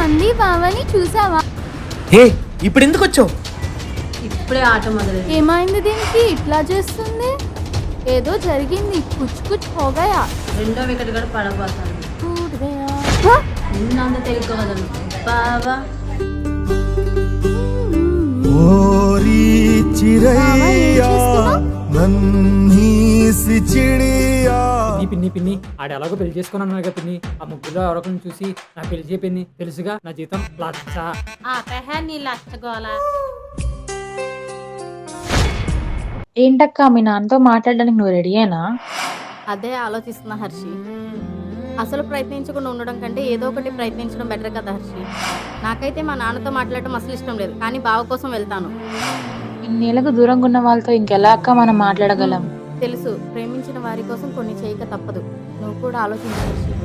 నంది బావని చూసావా? హే ఇప్పుడు ఎందుకు వచ్చావు? ఇప్పుడే ఆట మొదలైంది. ఏమైంది దీనికి ఇట్లా చేస్తుంది? ఏదో జరిగింది. కుచ్ కుచ్ హోగయా. రెండో వికెట్ కూడా పడబోతుంది. టూట్ గయా. నిన్నంత తెలుగు వదలు బావా. ఓరి చిరయ్యా నన్నీ సి చిడియా. పిన్ని పిన్ని ఆడ ఎలాగో పెళ్లి చేసుకున్నాను కదా పిన్ని. ఆ ముగ్గులో ఎవరొకరిని చూసి నా పెళ్లి చేపింది తెలుసుగా. నా జీతం లక్ష. నీ లచ్చగోల. ఏంటక్క మీ నాన్నతో మాట్లాడడానికి నువ్వు రెడీయేనా? అదే ఆలోచిస్తున్నా హర్షి. అసలు ప్రయత్నించకుండా ఉండడం కంటే ఏదో ఒకటి ప్రయత్నించడం బెటర్ కదా హర్షి. నాకైతే మా నాన్నతో మాట్లాడటం అసలు ఇష్టం లేదు, కానీ బావ కోసం వెళ్తాను. ఇన్నేళ్లకు దూరంగా ఉన్న వాళ్ళతో ఇంకెలా అక్క మనం మాట్లాడగలం? తెలుసు, ప్రేమించిన వారి కోసం కొన్ని చేయక తప్పదు. నువ్వు కూడా ఆలోచించు హర్షి.